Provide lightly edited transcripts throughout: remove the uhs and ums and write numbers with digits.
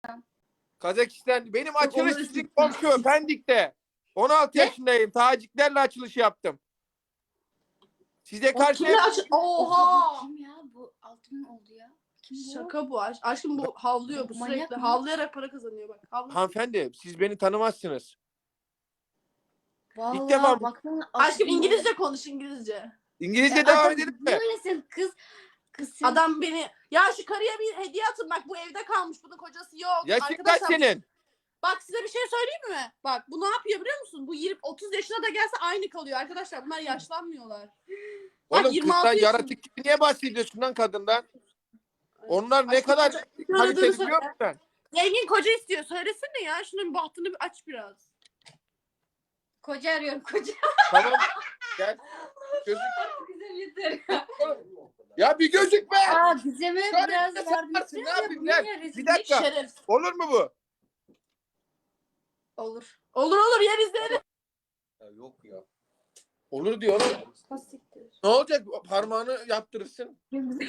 Kazakistan. Benim açılış sizin komşu Pendik'te. 16 yaşındayım. Taciklerle açılış yaptım. Size karşı Oha! Kim ya? Bu 6.000 oldu ya. Kim bu? Şaka bu. Aşkım bu havlıyor. Bu Manyak sürekli mı? havlayarak para kazanıyor bak. hanımefendi siz beni tanımazsınız. Vallahi İlk defa baksana. Aşkım İngilizce konuş İngilizce. İngilizce devam edelim mi? Böylesin kız. Kız sen. Adam beni... Ya şu karıya bir hediye atın. Bak bu evde kalmış. Bunun kocası yok. Yaşın kaç senin? Bak size bir şey söyleyeyim mi? Bak bu ne yapıyor biliyor musun? Bu 30 yaşına da gelse aynı kalıyor arkadaşlar. Bunlar yaşlanmıyorlar. Bak, Oğlum 26 kızdan yaşında. yaratık gibi niye bahsediyorsun lan kadından? Onlar ne Aşkım, kadar aradığını kaliteli söyle. biliyor musun sen? Zengin koca istiyor. Söylesene ya. Şunun bahtını bir aç biraz. Koca arıyorum koca. Tamam. Gel. Gözük. Güzel yeter. Ya bir gözükme. Aa Gizem'e Şöyle biraz bir de yardım yaparsın, etsene. ne yapayım, Bu gel. ne rezillik? Bir dakika. Şeref. Olur mu bu? Olur. Olur yeriz deriz. Ya yok ya. Olur diyor oğlum. Ne olacak? Parmağını yaptırırsın.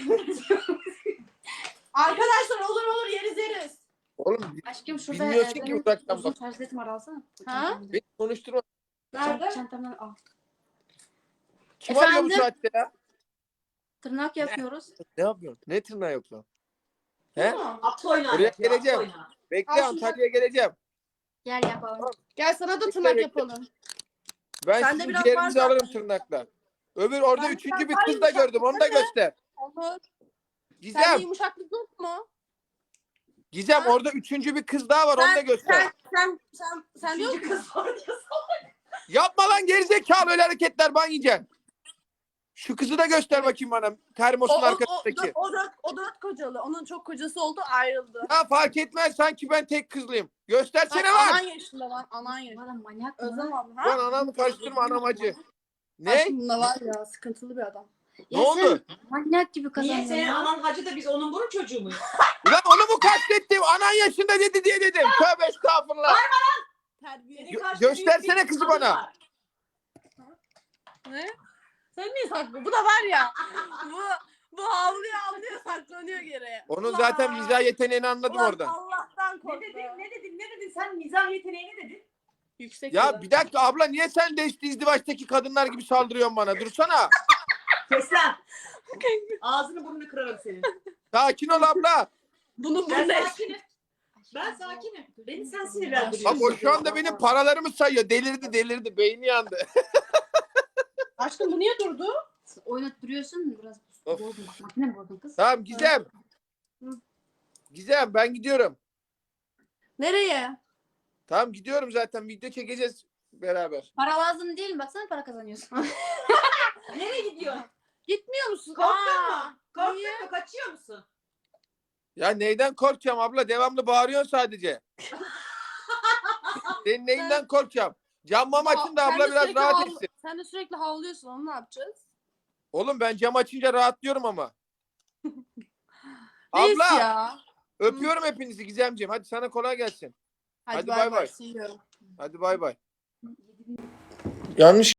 Arkadaşlar olur yeriz. Oğlum Aşkım şurada bilmiyorsun ki benim uzaktan uzun bak. tercihletim var alsana. Ha? Beni konuşturma. Nerede? Çantamdan al. Kim arıyor bu Efendim? saatte ya? Tırnak yapıyoruz. Ne yapıyorsun? Ne tırnağı yok lan? He? At oyna. Buraya yapıyor, at geleceğim. oyna. Bekle Al şunu. Antalya'ya geleceğim. Gel yapalım. Gel sana da Bekle, tırnak bekle. yapalım. Ben Sende sizin biraz ciğerinizi var alırım zaten. tırnakla. Öbür orada Ben üçüncü bir biraz kız daha da gördüm. Onu da yumuşak göster. Olur. Sende Gizem. yumuşaklık yok mu? Gizem Ha? orada üçüncü bir kız daha var. Onu da göster. Sen yok Üçüncü mu? kız var diyorsun. Yapma lan gerizekalı öyle hareketler ban yiyeceksin. Şu kızı da göster bakayım bana. Termosun arkasındaki. O dört kocalı. Onun çok kocası oldu ayrıldı. Ya fark etmez sanki ben tek kızlıyım. Göstersene Bak, lan. anan yaşında lan. Anan yaşında. Bana manyak mı? Özlem abi. Lan Ha? anamı karıştırma anam acı. Ne? Aşkım bunda var ya sıkıntılı bir adam. Ne oldu? Sen manyak gibi Niye kazanıyorsun senin ya. anan hacı da biz onun bunun çocuğu muyuz? Ulan onu mu kastettim? Anan yaşında dedi diye dedim. Tövbe estağfurullah. Terbiye. Senin karşında Göstersene büyük bir kızı kadın bana. var. Ne? Sen niye saklı? Bu da var ya. bu havlıyor saklanıyor geri. Onun Ulan. zaten mizah yeteneğini anladım Ulan oradan. Allah'tan Ne korktu. dedin? Sen mizah yeteneğini dedin. Yüksek Ya yılan. bir dakika abla niye sen de izdivaçtaki kadınlar gibi saldırıyorsun bana? Dursana. Kes lan. Ağzını burnunu kırarım senin. Sakin ol abla. Bunun Ben burnu sakinim. Ben sakinim. Beni sen Bak sinirlendiriyorsun. o şu anda benim paralarımı sayıyor. Delirdi. Beyni yandı. Aşkım bu niye durdu? Oynat duruyorsun biraz. Of. Bozdun. Makine mi bozdun kız? Tamam Gizem. Gizem ben gidiyorum. Nereye? Tamam gidiyorum zaten. Video çekeceğiz beraber. Para lazım değil mi? Baksana para kazanıyorsun. Nereye gidiyorsun? Gitmiyor musun? Korktun Aa, mu? Korktun niye? mu? Kaçıyor musun? Ya neyden korkacağım abla? Devamlı bağırıyorsun sadece. Senin neyinden korkacağım? Cam açın da Sen abla de biraz sürekli rahat etsin. Sen de sürekli havlıyorsun. Onu ne yapacağız? Oğlum ben cam açınca rahatlıyorum ama. Neyse Abla ya. öpüyorum hepinizi Gizemciğim. Hadi sana kolay gelsin. Hadi Hadi bay bay bay. bay. Seviyorum. Hadi bay bay. Yanlış